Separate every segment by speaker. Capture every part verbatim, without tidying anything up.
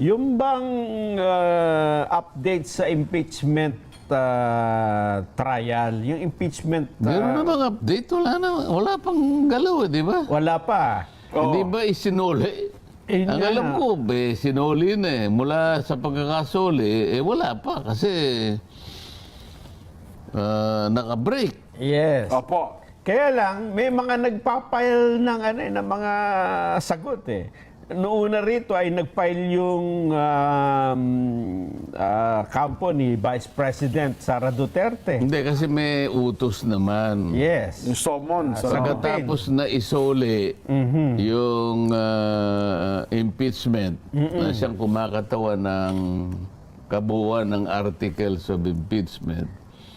Speaker 1: Yung bang uh, update sa impeachment uh, trial, yung impeachment... Uh,
Speaker 2: Meron na bang update? Wala na. Wala pang galaw, eh, di ba?
Speaker 1: Wala pa.
Speaker 2: Hindi ba isinuli?
Speaker 1: Eh,
Speaker 2: Ang
Speaker 1: nga.
Speaker 2: alam ko, be, sinuli na eh. Mula sa pagkakasuli, eh wala pa kasi uh, naka-break.
Speaker 1: Yes.
Speaker 3: Opo.
Speaker 1: Kaya lang, may mga nagpapile ng, ano, eh, ng mga sagot eh. Noong una rito ay nag-file yung um, uh, kampo ni Vice President Sara Duterte.
Speaker 2: Hindi, kasi may utos naman.
Speaker 1: Yes.
Speaker 3: Yung summon sa...
Speaker 1: sagot.
Speaker 2: Pagkatapos na isole yung uh, impeachment na siyang kumakatawan ng kabuuan ng articles of impeachment,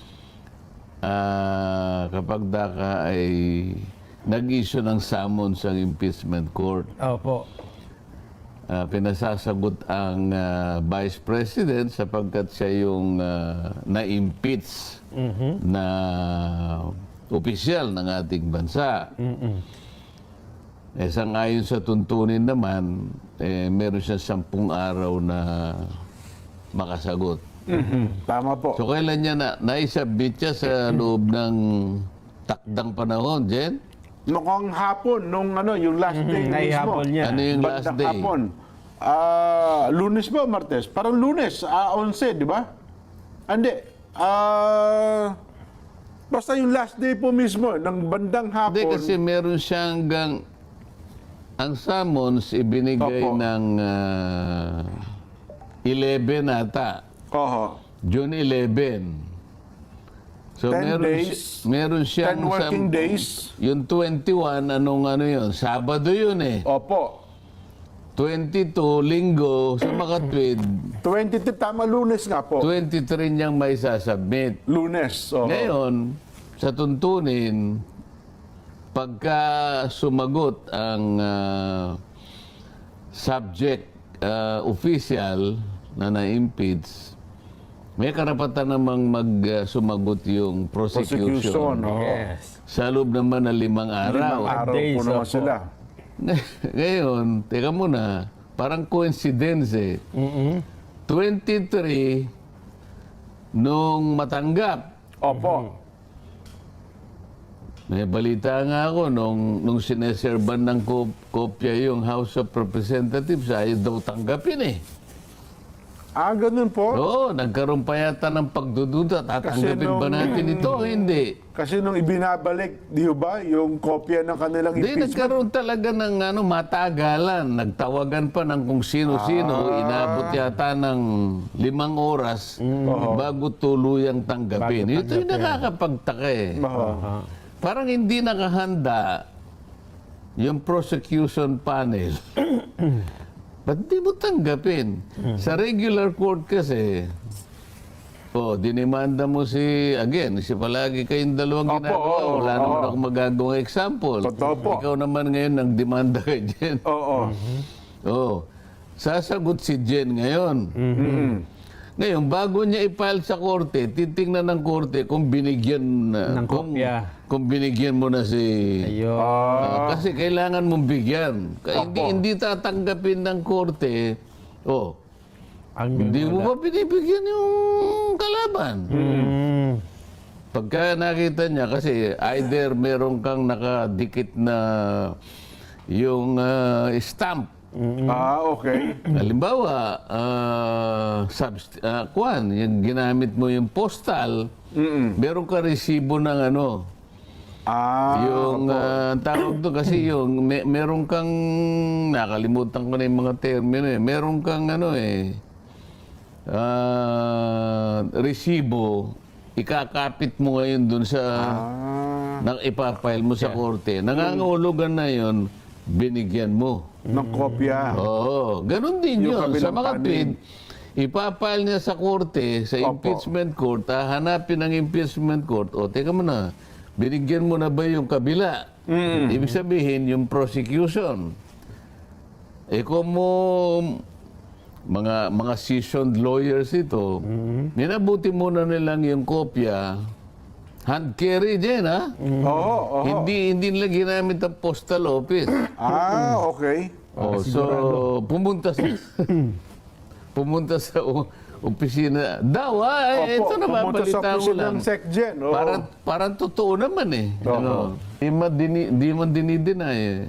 Speaker 2: uh, kapag daka ay nag-issue ng summons sa impeachment court,
Speaker 1: Opo.
Speaker 2: uh, pinasasagot ang uh, Vice President sapagkat siya yung uh, na-impeach na opisyal ng ating bansa. Eh, sangayon sa tuntunin naman, eh, meron siya sampung araw na makasagot.
Speaker 3: Mhm. Tama po.
Speaker 2: So, kailan niya na, naisabit siya sa loob ng takdang panahon, Jen?
Speaker 3: Noong hapon, nung ano, yung last day mismo.
Speaker 1: Naihapon niya.
Speaker 2: Ano yung last
Speaker 3: Bandang
Speaker 2: day?
Speaker 3: hapon. Ah, Lunes ba o Martes? Parang Lunes, ah, eleven, di ba? Hindi. Ah, basta yung last day po mismo, ng bandang hapon.
Speaker 2: Hindi, kasi meron siyang gang... Ang summons ibinigay
Speaker 3: Opo.
Speaker 2: ng uh, eleven ata.
Speaker 3: Oho.
Speaker 2: June eleven. So
Speaker 3: ten
Speaker 2: meron,
Speaker 3: days,
Speaker 2: si- meron siyang...
Speaker 3: ten working
Speaker 2: sam-
Speaker 3: days.
Speaker 2: Yung twenty-one, anong ano yun? Sabado yun eh.
Speaker 3: Opo.
Speaker 2: twenty-two, linggo, sa makatwid,
Speaker 3: twenty-two, tama, Lunes nga po.
Speaker 2: twenty-three niyang may sasubmit.
Speaker 3: Lunes. Oho.
Speaker 2: Ngayon, sa tuntunin, pagka sumagot ang ah, subject ah, official na na-impeach, may karapatan namang mag-sumagot yung prosecution.
Speaker 3: Prosecution. Oho.
Speaker 1: Yes.
Speaker 2: Sa loob naman ng limang araw.
Speaker 3: Limang araw
Speaker 1: Days,
Speaker 3: po naman
Speaker 1: opo.
Speaker 3: sila.
Speaker 2: Ngayon, teka muna, parang coincidence eh. twenty-three nung matanggap.
Speaker 3: Opo.
Speaker 2: May balita nga ako nung, nung sineserban ng kop- kopya yung House of Representatives, ayaw daw tanggapin eh.
Speaker 3: Ah, ganun po.
Speaker 2: Oo, nagkaroon pa yata ng pagdududa. Tatanggapin ba
Speaker 3: nung-
Speaker 2: natin ito o hindi?
Speaker 3: Kasi nung ibinabalik, di ba, yung kopya ng kanilang
Speaker 2: Hindi,
Speaker 3: impeachment.
Speaker 2: nagkaroon talaga ng ano, matagalan. Nagtawagan pa ng kung sino-sino. Inabot yata ng limang oras bago tuluyang tanggapin.
Speaker 1: Bago
Speaker 2: Ito yung nakakapagtaka eh.
Speaker 3: Oho.
Speaker 2: Parang hindi nakahanda yung prosecution panel. Ba't di mo tanggapin? Sa regular court kasi, oh, dinimanda mo si, again, si palagi kayong dalawang
Speaker 3: Opo,
Speaker 2: ginagawa.
Speaker 3: oo,
Speaker 2: Wala
Speaker 3: oo.
Speaker 2: naman ako magagawang example.
Speaker 3: Totoo po.
Speaker 2: Ikaw naman ngayon nang demanda kay Jen.
Speaker 3: Oo.
Speaker 2: Oh, sasagot si Jen ngayon.
Speaker 3: Mm.
Speaker 2: Ngayon, bago niya i-file sa korte, titingnan ng korte kung binigyan na,
Speaker 1: Ng
Speaker 2: kung,
Speaker 1: kopya.
Speaker 2: kung binigyan mo na si...
Speaker 1: Ayun.
Speaker 2: Ah, kasi kailangan mong bigyan. Kaya hindi,
Speaker 3: Opo.
Speaker 2: hindi tatanggapin ng korte, oh,
Speaker 1: Ang
Speaker 2: hindi mo ba binibigyan yung kalaban?
Speaker 1: Mm.
Speaker 2: Pagka nakita niya, kasi either meron kang nakadikit na yung ah, stamp.
Speaker 3: Ah, okay.
Speaker 2: Halimbawa, uh, subst- ah, kuwan, yung ginamit mo yung postal, meron ka resibo ng ano,
Speaker 3: Ah,
Speaker 2: yung ah, tawag doon kasi yung may, meron kang, nakalimutan ko na yung mga termino eh, meron kang ano eh, ah, resibo, ikakapit mo ngayon doon sa,
Speaker 3: ah,
Speaker 2: nang ipapile mo sa korte, nangangahulugan na yon binigyan mo.
Speaker 3: ng kopya.
Speaker 2: Oo, ganun din
Speaker 3: Yung
Speaker 2: yun. Sa
Speaker 3: kabilang
Speaker 2: mga
Speaker 3: panig.
Speaker 2: tweet, ipapile niya sa korte, sa
Speaker 3: Opo.
Speaker 2: impeachment court, hahanapin ng impeachment court, o teka mo na, binigyan mo na ba yung kabila? Ibig sabihin, yung prosecution. Eh kung mo, mga, mga seasoned lawyers ito, minabuti muna nilang yung kopya, hand carry din, ha?
Speaker 3: Oo, oo.
Speaker 2: Hindi, hindi nila ginamit ang postal office.
Speaker 3: Ah, okay.
Speaker 2: Oh, so pumunta sa pumunta sa o- opisina. Daw, ah, eh, ito na
Speaker 3: pumunta sa
Speaker 2: babalita ko
Speaker 3: opisina
Speaker 2: lang.
Speaker 3: ng SecGen. Oo.
Speaker 2: Parang, parang totoo naman eh.
Speaker 3: Oo.
Speaker 2: Ano, di man, dini, di man dinideny eh.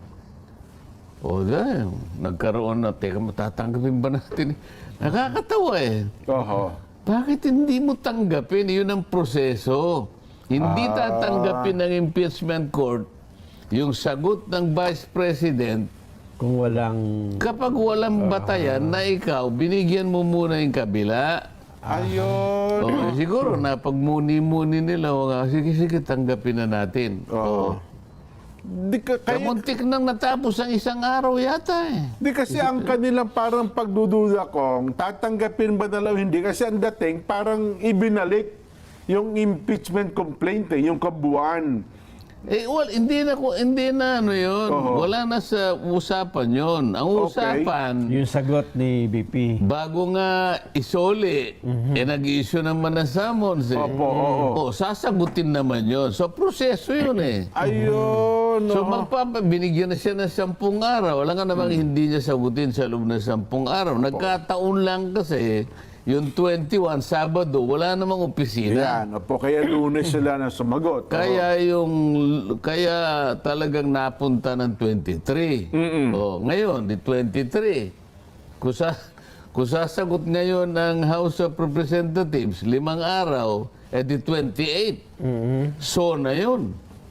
Speaker 2: O dahil, nagkaroon na, teka, matatanggapin ba natin? Nakakatawa eh.
Speaker 3: Oo.
Speaker 2: Bakit hindi mo tanggapin? Yun ang proseso. Hindi
Speaker 3: Ah.
Speaker 2: tatanggapin ng impeachment court yung sagot ng Vice President
Speaker 1: Kung walang...
Speaker 2: kapag walang batayan na ikaw, binigyan mo muna yung kabila.
Speaker 3: Ayun.
Speaker 2: O, eh, siguro, napagmuni-muni nila, o nga, sige, sige, tanggapin na natin.
Speaker 3: Oo. Di, ka, kaya,
Speaker 2: Kamuntik nang natapos ang isang araw yata eh.
Speaker 3: di kasi ang kanilang parang pagdududa kong tatanggapin ba na lang o hindi. Kasi ang dating parang ibinalik yung impeachment complaint eh, yung kabuuan.
Speaker 2: Eh, well, hindi na, ko- hindi na ano yun.
Speaker 3: Oo.
Speaker 2: Wala na sa usapan yun. Ang
Speaker 3: Okay.
Speaker 2: usapan,
Speaker 1: Yung sagot ni B P.
Speaker 2: bago nga isoli, eh nag-issue naman ng summons eh.
Speaker 3: Opo, oo.
Speaker 2: O, sasagutin naman yun. So, proseso yun eh.
Speaker 3: Ayun.
Speaker 2: So,
Speaker 3: oo.
Speaker 2: magpapa, binigyan na siya ng sampung araw. Wala nga namang hindi niya sagutin sa loob ng sampung araw. Nagkataon lang kasi, yung twenty-one, Sabado, wala namang opisina.
Speaker 3: Yan. Opo, kaya lunes sila na sumagot.
Speaker 2: Kaya yung, kaya talagang napunta ng twenty-three. O, ngayon, di twenty-three. Kung, sa, kung sasagot ngayon ng House of Representatives, limang araw, eh di twenty-eight. So na yun.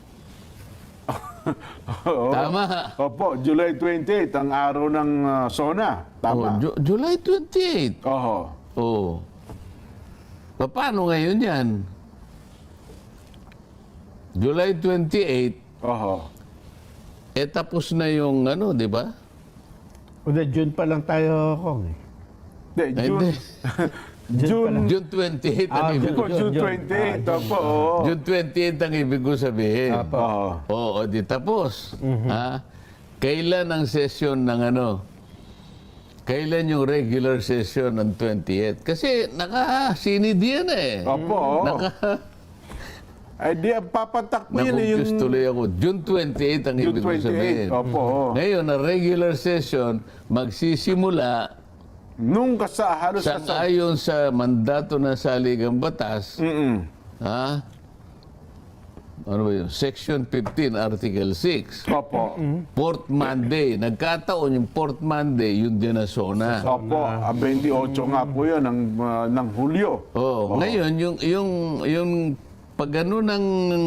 Speaker 3: Oo.
Speaker 2: Tama.
Speaker 3: Opo, July twenty-eight, ang araw ng ah, SONA.
Speaker 2: O,
Speaker 3: Tama.
Speaker 2: Ju- July twenty-eight.
Speaker 3: Oho.
Speaker 2: Oo. Pa- Paano ngayon yan? July twenty-eight,
Speaker 3: Oho.
Speaker 2: eh tapos na yung ano, di ba?
Speaker 1: O na June pa lang tayo, Kong. eh.
Speaker 3: Hindi,
Speaker 2: Ay,
Speaker 3: June,
Speaker 2: hindi.
Speaker 3: June,
Speaker 2: June twenty-eight ang
Speaker 1: Ah,
Speaker 2: ibig
Speaker 3: Opo,
Speaker 1: June,
Speaker 3: June
Speaker 1: June.
Speaker 3: twenty-eight. Opo, oo.
Speaker 2: June twenty-eight ang ibig ko sabihin.
Speaker 1: Apo.
Speaker 3: Oo.
Speaker 2: Oo, di tapos. Ha? Kailan ang session ng ano? Kailan yung regular session ng twenty-eight? Kasi naka-sinid yan eh.
Speaker 3: Opo, oo.
Speaker 2: Naka,
Speaker 3: Ay, di, ang papatak mo yun eh,
Speaker 2: Nakumpus
Speaker 3: yung
Speaker 2: tuloy ako. June twenty-eight ang
Speaker 3: June
Speaker 2: ibig ko sabihin.
Speaker 3: twenty-eight. Opo, oo.
Speaker 2: Ngayon, ang regular session magsisimula
Speaker 3: Nung kasa, halos
Speaker 2: sa
Speaker 3: kasa.
Speaker 2: ayon sa mandato ng saligang batas,
Speaker 3: Mm-mm.
Speaker 2: ha? Ano ba yun? Section fifteen, Article six.
Speaker 3: Opo.
Speaker 2: Fourth Monday. Nagkataon yung fourth Monday, yun din na zona.
Speaker 3: Opo, ah, twenty-eight nga po yun ng, ah, ng Hulyo.
Speaker 2: Oh, ngayon yung yung yung pag ano ng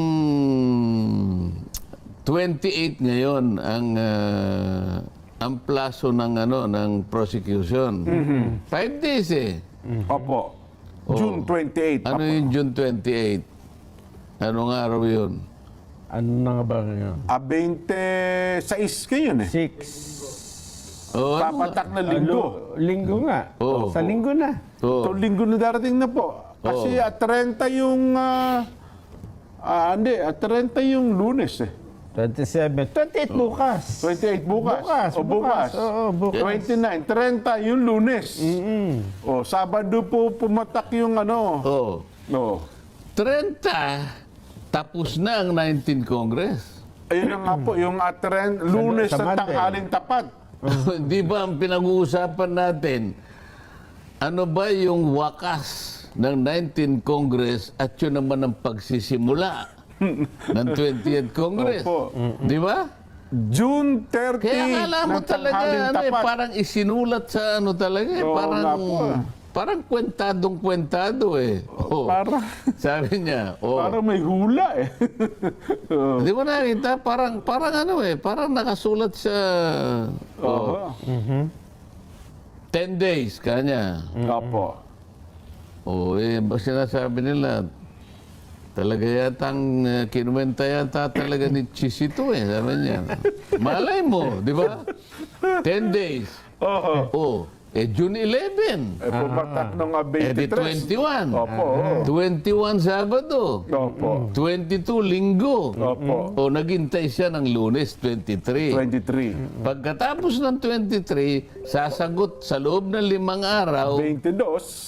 Speaker 2: twenty-eight ngayon ang ah, ang plaso ng ano ng prosecution. Five days eh.
Speaker 3: Opo. June twenty-eight.
Speaker 2: Ano yung June twenty-eight? Anong araw yun?
Speaker 1: Ano na nga ba ngayon?
Speaker 3: Ah, twenty-six kayo yun eh.
Speaker 1: Six.
Speaker 2: Oh, ano?
Speaker 3: Papatak na linggo.
Speaker 1: Ano, linggo nga.
Speaker 2: Oo.
Speaker 1: Sa linggo na.
Speaker 2: Oh.
Speaker 3: Ito linggo na darating na po. Kasi at thirty yung... ah ah, hindi, at thirty yung lunes eh.
Speaker 1: twenty-seven. twenty-eight bukas.
Speaker 3: twenty-eight bukas.
Speaker 1: Bukas.
Speaker 3: O bukas.
Speaker 1: Oo, bukas.
Speaker 3: twenty-nine, thirty yung lunes. O, Sabado po pumatak yung ano.
Speaker 2: Oh.
Speaker 3: No.
Speaker 2: thirty, tapos na ang nineteenth Congress.
Speaker 3: Ayun na nga po, yung at thirty, lunes
Speaker 1: sa
Speaker 3: sa
Speaker 1: Monday.
Speaker 3: tanghaling tapat.
Speaker 2: Di ba ang pinag-uusapan natin, ano ba yung wakas ng nineteenth Congress at yun naman ang pagsisimula ng twentieth Congress?
Speaker 3: Opo.
Speaker 2: Di ba?
Speaker 3: June thirty
Speaker 2: Kaya akala mo
Speaker 3: ng
Speaker 2: talaga,
Speaker 3: tanghaling
Speaker 2: ano, eh,
Speaker 3: tapat.
Speaker 2: parang isinulat sa ano talaga, eh,
Speaker 3: Oo
Speaker 2: parang,
Speaker 3: nga po, ah.
Speaker 2: parang kwentadong-kwentado eh. Oh,
Speaker 3: Parang,
Speaker 2: sabi niya, oh,
Speaker 3: parang may hula eh. Oo.
Speaker 2: di mo nakita, parang, parang ano eh, parang nakasulat sa oh,
Speaker 3: Oo.
Speaker 2: ten days kanya.
Speaker 3: Opo.
Speaker 2: Oo, eh, ba- sinasabi nila, talaga yata ang uh, kinuwenta yata talaga ni Chisito eh, sabi niya. Malay mo, di ba? ten days.
Speaker 3: Oo.
Speaker 2: Oh, eh June eleven.
Speaker 3: Eh, pumatak ng ah,
Speaker 2: Eh di
Speaker 3: twenty-three.
Speaker 2: twenty-one.
Speaker 3: Opo. oo.
Speaker 2: twenty-one Sabado.
Speaker 3: Opo.
Speaker 2: twenty-two Linggo.
Speaker 3: Opo.
Speaker 2: O naghintay siya ng Lunes, twenty-three.
Speaker 3: twenty-three.
Speaker 2: Pagkatapos ng twenty-three, sasagot sa loob ng limang araw,
Speaker 3: twenty-two.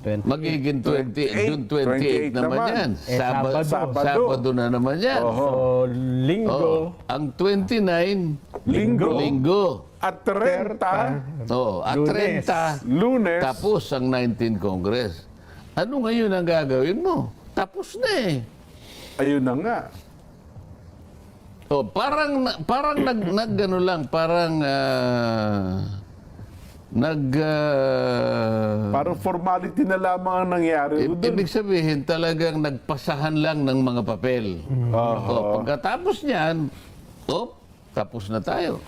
Speaker 4: twenty.
Speaker 2: Magiging twenty, June twenty-eight naman
Speaker 3: naman.
Speaker 2: yan.
Speaker 4: Eh,
Speaker 2: Sabado,
Speaker 3: Sabado.
Speaker 2: Sabado na naman yan.
Speaker 3: Oho.
Speaker 1: So, linggo,
Speaker 2: Oh, ang twenty-nine,
Speaker 3: Linggo.
Speaker 2: linggo.
Speaker 3: At thirty,
Speaker 2: Oh, at
Speaker 1: Lunes.
Speaker 2: thirty,
Speaker 3: Lunes.
Speaker 2: tapos ang nineteenth Congress. Ano ngayon ang gagawin mo? Tapos na eh.
Speaker 3: Ayun na nga.
Speaker 2: Oh, parang na- parang nag nagano lang, parang ah, nag ah,
Speaker 3: Parang formality na lamang ang nangyari.
Speaker 2: i- ibig sabihin talagang nagpasahan lang ng mga papel. Oh, pagkatapos niyan, oh, tapos na tayo.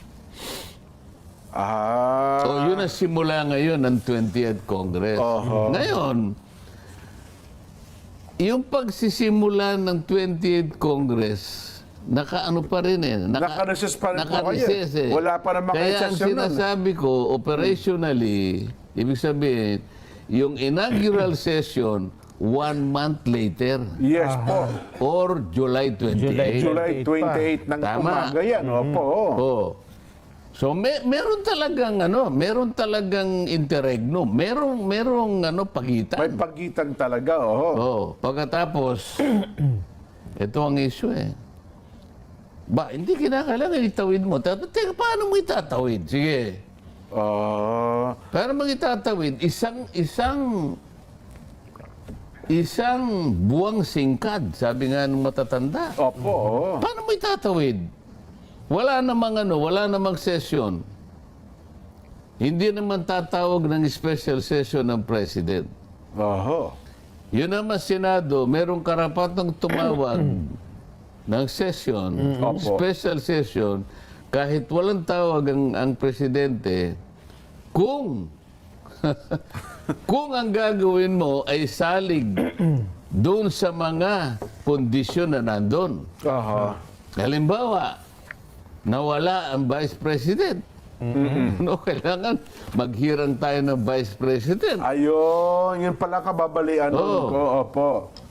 Speaker 3: Ah.
Speaker 2: So, yun ang simula ngayon ng twentieth Congress.
Speaker 3: Oho.
Speaker 2: Ngayon, yung pagsisimula ng twentieth Congress, nakaano pa rin eh.
Speaker 3: Naka-recess pa rin po
Speaker 2: naka-recess
Speaker 3: kayo.
Speaker 2: eh.
Speaker 3: Wala pa namang
Speaker 2: Kaya ang
Speaker 3: exception nun.
Speaker 2: sinasabi ko, operationally, ibig sabihin, yung inaugural session, one month later,
Speaker 3: Yes po.
Speaker 2: or July twenty-eighth.
Speaker 3: July twenty-eighth ng
Speaker 2: Tama.
Speaker 3: umaga yan. Opo.
Speaker 2: Oh. So may meron talagang ano, meron talagang interregnum. Merong merong ano
Speaker 3: May
Speaker 2: pagitan.
Speaker 3: pagitan talaga. Oho.
Speaker 2: Oh, pagkatapos ito ang issue eh. Ba, hindi kinakailangan itawid mo. Teka, teka, paano mo itatawid? Sige.
Speaker 3: Ah.
Speaker 2: Paano mo itatawid? Isang isang isang buwang singkad, sabi nga ng matatanda.
Speaker 3: Opo. oho.
Speaker 2: Paano mo itatawid? Wala namang ano, wala namang session. Hindi naman tatawag ng special session ng President.
Speaker 3: Oho.
Speaker 2: Yun naman Senado, merong karapatang tumawag ng session,
Speaker 3: Opo.
Speaker 2: special session, kahit walang tawag ang, ang Presidente, kung kung ang gagawin mo ay salig doon sa mga kondisyon na nandun.
Speaker 3: Oho.
Speaker 2: Halimbawa, nawala ang Vice President. No, kailangan maghirang tayo ng Vice President.
Speaker 3: Ayun. Yun pala kababalian nun
Speaker 2: Oo.
Speaker 3: ko. Opo.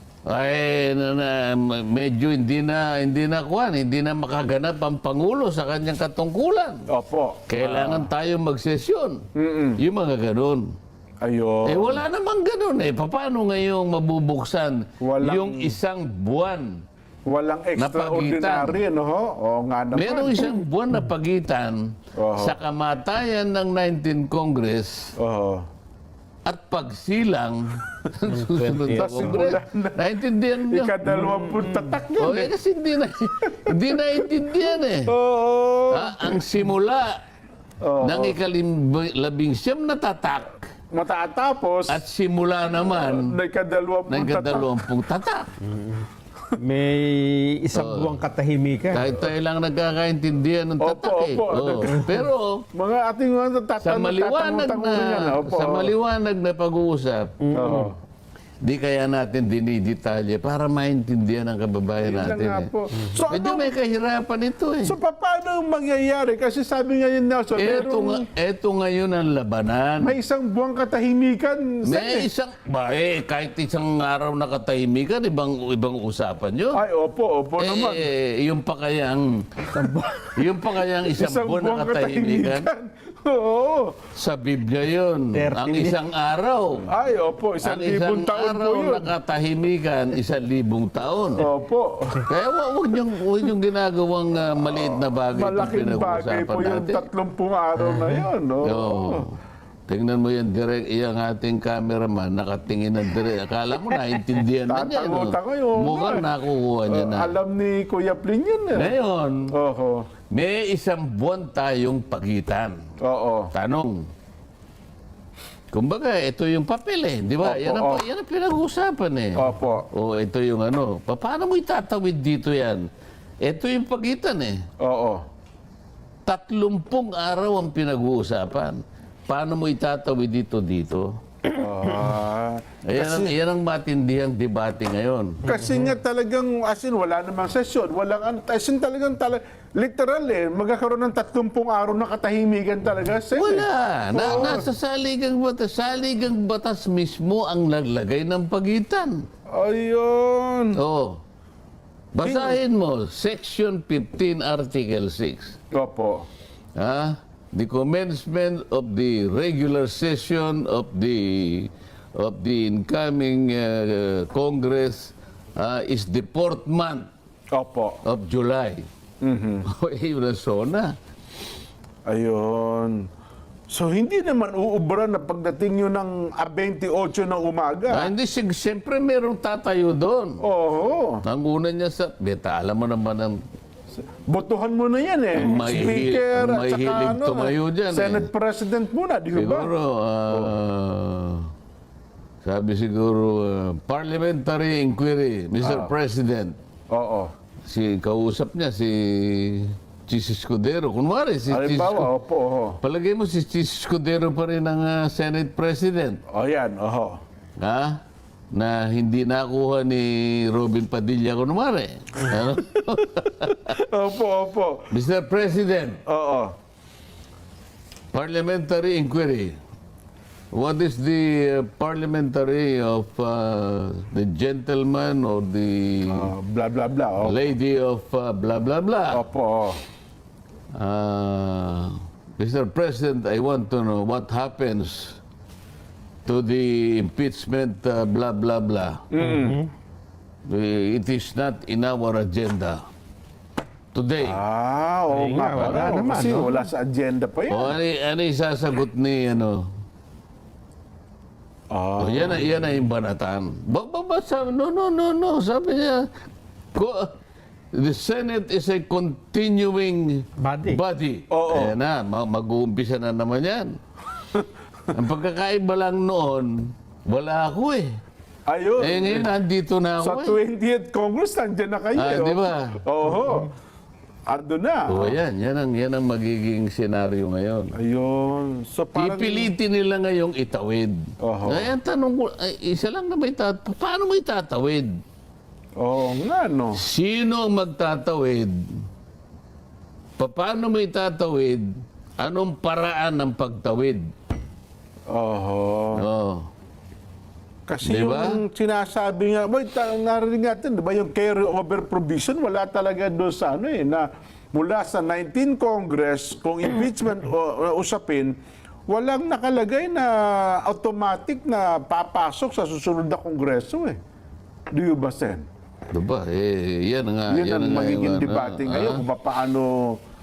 Speaker 2: Ay, na, na, medyo hindi na hindi na kuwan, hindi na makaganap ang pangulo sa kanyang katungkulan.
Speaker 3: Opo.
Speaker 2: Kailangan tayo magsesyon. Yung mga ganun.
Speaker 3: Ayun.
Speaker 2: Eh wala namang ganun eh. Paano ngayong mabubuksan
Speaker 3: Walang-
Speaker 2: yung isang buwan?
Speaker 3: Walang extraordinary, no? ho? Oo nga naman.
Speaker 2: Merong isang buwan na pagitan
Speaker 3: Oo.
Speaker 2: sa kamatayan ng nineteenth Congress
Speaker 3: Oho.
Speaker 2: at pagsilang ng susunod na
Speaker 3: Tapos
Speaker 2: Congress.
Speaker 3: simula na.
Speaker 2: Naintindihan niyo?
Speaker 3: Ikadalawampung tatak yun.
Speaker 2: O, eh, kasi hindi na, hindi naintindihan eh.
Speaker 3: Oo.
Speaker 2: Ah, ang simula
Speaker 3: Oo.
Speaker 2: ng ikalabing siyam na tatak
Speaker 3: Matatapos,
Speaker 2: at simula naman
Speaker 3: na ikadalawampung
Speaker 2: ng
Speaker 3: tatak.
Speaker 2: kadalawampung tatak.
Speaker 1: may isang buwang katahimikan.
Speaker 2: Kahit tayo lang nagkakaintindihan ng
Speaker 3: Opo,
Speaker 2: tatak eh.
Speaker 3: opo.
Speaker 2: Oo. Pero
Speaker 3: Mga ating mga tatanong,
Speaker 2: sa maliwanag
Speaker 3: tatanong-tanong yan,
Speaker 2: na
Speaker 3: opo.
Speaker 2: sa maliwanag na pag-uusap,
Speaker 3: Oo.
Speaker 2: di kaya natin dinidetalye para maintindihan ng kababayan
Speaker 3: Yun na
Speaker 2: natin.
Speaker 3: nga
Speaker 2: Eh.
Speaker 3: po. So,
Speaker 2: Medyo
Speaker 3: ano,
Speaker 2: may kahirapan ito eh.
Speaker 3: so pa- paano mangyayari? Kasi sabi nga yun, Nelson,
Speaker 2: Eto,
Speaker 3: merong-
Speaker 2: nga, eto ngayon ang labanan.
Speaker 3: may isang buwang katahimikan.
Speaker 2: May
Speaker 3: Sen, eh.
Speaker 2: isang, ba eh, kahit isang araw na katahimikan, ibang, ibang usapan yun.
Speaker 3: Ay, opo, opo naman.
Speaker 2: Eh, yung pa kayang, yung pa kayang isang,
Speaker 3: Isang
Speaker 2: buwan na
Speaker 3: buwang
Speaker 2: katahimikan,
Speaker 3: Oo.
Speaker 2: sa Biblia yun.
Speaker 1: thirty
Speaker 2: Ang isang araw.
Speaker 3: Ay, opo, isang
Speaker 2: Ang
Speaker 3: libong
Speaker 2: isang
Speaker 3: taon po
Speaker 2: araw
Speaker 3: yun.
Speaker 2: na katahimikan, isang libong taon.
Speaker 3: Opo.
Speaker 2: Kaya wa- huwag niyong, huwag niyong ginagawang ah, maliit na bagay itong
Speaker 3: Malaking bagay
Speaker 2: pinag-uusapan
Speaker 3: po yung
Speaker 2: natin.
Speaker 3: tatlumpung araw na yun. Oo.
Speaker 2: Oo. Tingnan mo yan, direct, iyang ating cameraman, nakatingin ng direct. Akala mo, naintindihan na niya. No?
Speaker 3: Tatango-tango yun.
Speaker 2: Mukhang nakukuha niya na.
Speaker 3: Alam ni Kuya Pling yun. Eh.
Speaker 2: Ngayon,
Speaker 3: Oho.
Speaker 2: may isang buwan tayong pagitan.
Speaker 3: Oo.
Speaker 2: Tanong. Kumbaga, ito yung papel eh. Di ba?
Speaker 3: Opo,
Speaker 2: Yan ang,
Speaker 3: opo.
Speaker 2: yan ang pinag-uusapan eh.
Speaker 3: Opo.
Speaker 2: O ito yung ano. Pa- Paano mo itatawid dito yan? Ito yung pagitan eh.
Speaker 3: Oo.
Speaker 2: Tatlumpung araw ang pinag-uusapan. Paano mo itatawid dito dito?
Speaker 3: Ah.
Speaker 2: Ayan ang, yan ang matindihang debate ngayon.
Speaker 3: Kasi nga talagang, as in, wala namang sesyon. Walang, an- as in talagang, tala, literal eh, magkakaroon ng tatlumpung araw na katahimikan talaga. Sen, eh.
Speaker 2: Wala. Na, nasa saligang batas. Saligang batas mismo ang naglagay ng pagitan.
Speaker 3: Ayun.
Speaker 2: Oh. Basahin mo, Section fifteen, Article six.
Speaker 3: Opo.
Speaker 2: Ah, the commencement of the regular session of the of the incoming uh, Congress uh, is the fourth month
Speaker 3: Opo.
Speaker 2: of July. Mm-hmm. Yun ang sona.
Speaker 3: Ayun. So, hindi naman uubra na pagdating yun ng ah, twenty-eight ng
Speaker 2: Ah,
Speaker 3: umaga.
Speaker 2: hindi, sig- siyempre merong tatayo doon.
Speaker 3: Oo.
Speaker 2: Ang una niya sa, beta, alam mo naman ang
Speaker 3: Botohan mo na yan eh.
Speaker 2: Ang mahihi-
Speaker 3: Speaker
Speaker 2: ang
Speaker 3: at saka
Speaker 2: mahihilig
Speaker 3: ano,
Speaker 2: tumayo dyan eh.
Speaker 3: Senate President muna, di ba?
Speaker 2: siguro, ah, sabi siguro, ah, parliamentary inquiry, Mister President.
Speaker 3: Oo.
Speaker 2: Si kausap niya, si Chis Escudero. Kunwari, si Chis
Speaker 3: Halimbawa, opo, oho.
Speaker 2: Palagay mo si Chis Escudero pa rin ang ah, Senate President.
Speaker 3: O yan, oho.
Speaker 2: Ha? Na hindi nakuha ni Robin Padilla kunwari. Ano?
Speaker 3: Opo, opo.
Speaker 2: Mister President,
Speaker 3: Oo.
Speaker 2: parliamentary inquiry. What is the uh, parliamentary of uh, the gentleman or the
Speaker 3: Ah, blah, blah, blah. Opo.
Speaker 2: lady of uh, blah blah blah?
Speaker 3: Opo.
Speaker 2: Uh, Mister President, I want to know what happens to the impeachment uh, blah blah blah. Uh, It is not in our agenda today.
Speaker 3: Ah, oo
Speaker 1: Ay
Speaker 3: nga.
Speaker 1: nga, wala
Speaker 3: pala.
Speaker 1: naman,
Speaker 3: Kasi
Speaker 1: no?
Speaker 3: wala sa agenda pa yan.
Speaker 2: O ano, ano yung sasagot ni ano?
Speaker 3: Ah.
Speaker 2: O yan, na- yan na yung banatan. Ba, ba, ba, sabi, no, no, no, no. Sabi niya, ko, the Senate is a continuing
Speaker 1: Body.
Speaker 2: body.
Speaker 3: Oo.
Speaker 2: Ayan na, ma- mag-uumpisa na naman yan. Ang pagkakaiba lang noon, wala ako eh.
Speaker 3: Ayun.
Speaker 2: Eh ngayon, nandito na
Speaker 3: Sa
Speaker 2: ako eh.
Speaker 3: twentieth Congress, nandiyan na kayo.
Speaker 2: Ah,
Speaker 3: eh,
Speaker 2: di
Speaker 3: oh.
Speaker 2: ba?
Speaker 3: Oo. Ando na.
Speaker 2: O yan, yan ang, yan ang magiging senaryo ngayon.
Speaker 3: Ayun. So parang...
Speaker 2: Pipilitin nila ngayong itawid.
Speaker 3: Oho.
Speaker 2: Ay, ang tanong ko, ay, isa lang na may tat paano mo itatawid?
Speaker 3: Oo nga, no.
Speaker 2: Sino ang magtatawid? Pa- Paano mo itatawid? Anong paraan ng pagtawid?
Speaker 3: Oho.
Speaker 2: Oh.
Speaker 3: Kasi
Speaker 2: Di ba?
Speaker 3: yung sinasabi nga, boy, ta- narinig natin, di ba, yung carry-over provision, wala talaga doon sa ano eh, na mula sa nineteenth Congress, kung impeachment o, o usapin, walang nakalagay na automatic na papasok sa susunod na Kongreso eh. Di ba, Sen?
Speaker 2: Diba? Eh, yan nga.
Speaker 3: Yun ang
Speaker 2: nga
Speaker 3: magiging
Speaker 2: yung, ano,
Speaker 3: debate
Speaker 2: ah,
Speaker 3: ngayon kung paano